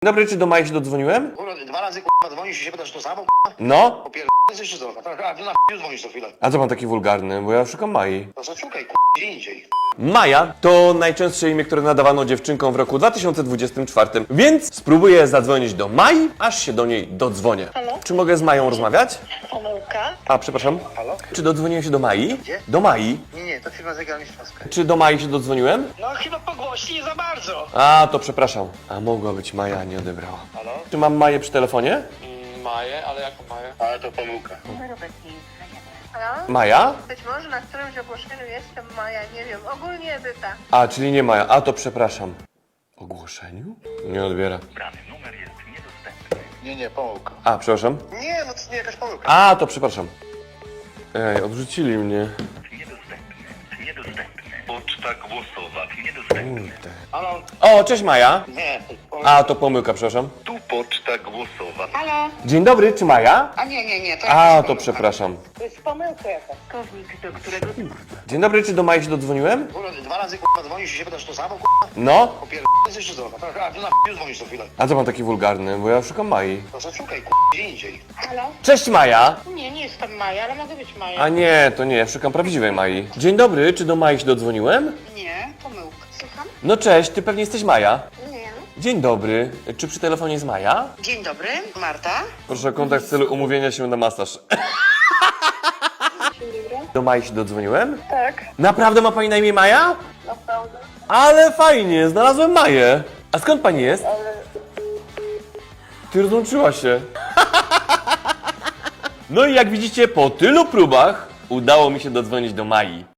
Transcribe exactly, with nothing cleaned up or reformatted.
Dobry, czy do Mai się dodzwoniłem? Kurwa, dwa razy kurwa dzwonisz i się pytasz to samo, kurwa? No. Popierdolę jeszcze co? A ty na f***u dzwonisz co chwilę. A co pan taki wulgarny? Bo ja szukam Mai. To co szukaj, kurwa, gdzie indziej. Maja to najczęstsze imię, które nadawano dziewczynkom w roku dwa tysiące dwudziestym czwartym, więc spróbuję zadzwonić do Mai, aż się do niej dodzwonię. Halo? Czy mogę z Mają rozmawiać? Pomyłka? A, przepraszam. Halo? Czy dodzwoniłem się do Mai? Gdzie? Do Mai. Nie, nie, to firma zegarmistrzowska. Czy do Mai się dodzwoniłem? No chyba po głośni nie za bardzo. A, to przepraszam. A mogła być Maja, a nie odebrała. Halo? Czy mam Maję przy telefonie? Maję, ale jaką Maję? Ale to pomyłka. Halo? Maja? Być może na którymś ogłoszeniu jestem Maja, nie wiem, ogólnie Edyta. A, czyli nie Maja. A, to przepraszam. Ogłoszeniu? Nie odbiera. Nie, nie, pomyłka. A, przepraszam. Nie, no to nie jakaś pomyłka. A, to przepraszam. Ej, odrzucili mnie. Niedostępny, niedostępny. Poczta głosowa, niedostępny. Kurde. Halo? O, cześć Maja. Nie, pomyłka. A, to pomyłka, przepraszam. Tu poczta głosowa. Halo? Dzień dobry, czy Maja? A nie, nie, nie, to A, to przepraszam. To jest pomyłka jakaś. Kownik, do którego... Dzień dobry, czy do Mai się dodzwoniłem? Kurwa, dwa razy kurwa dzwonisz i się pytasz to samo, kurwa? No. Popierdolę jeszcze co? A ty na f***u dzwonisz co chwilę. A co pan taki wulgarny? Bo ja szukam Mai. To co szukaj, kurwa, gdzie indziej. Halo? Cześć Maja. Nie, nie jestem Maja, ale mogę być Maja. A nie, to nie, ja szukam prawdziwej Mai. Dzień dobry, czy do Mai się dodzwoniłem? Nie, pomyłka. Słucham? No cześć, ty pewnie jesteś Maja. Nie. Dzień dobry, czy przy telefonie jest Maja? Dzień dobry, Marta. Proszę o kontakt w celu umówienia się na masaż. Do Mai się dodzwoniłem? Tak. Naprawdę ma pani na imię Maja? Naprawdę. Ale fajnie, znalazłem Maję. A skąd pani jest? Ty rozłączyła się. No i jak widzicie, po tylu próbach udało mi się dodzwonić do Mai.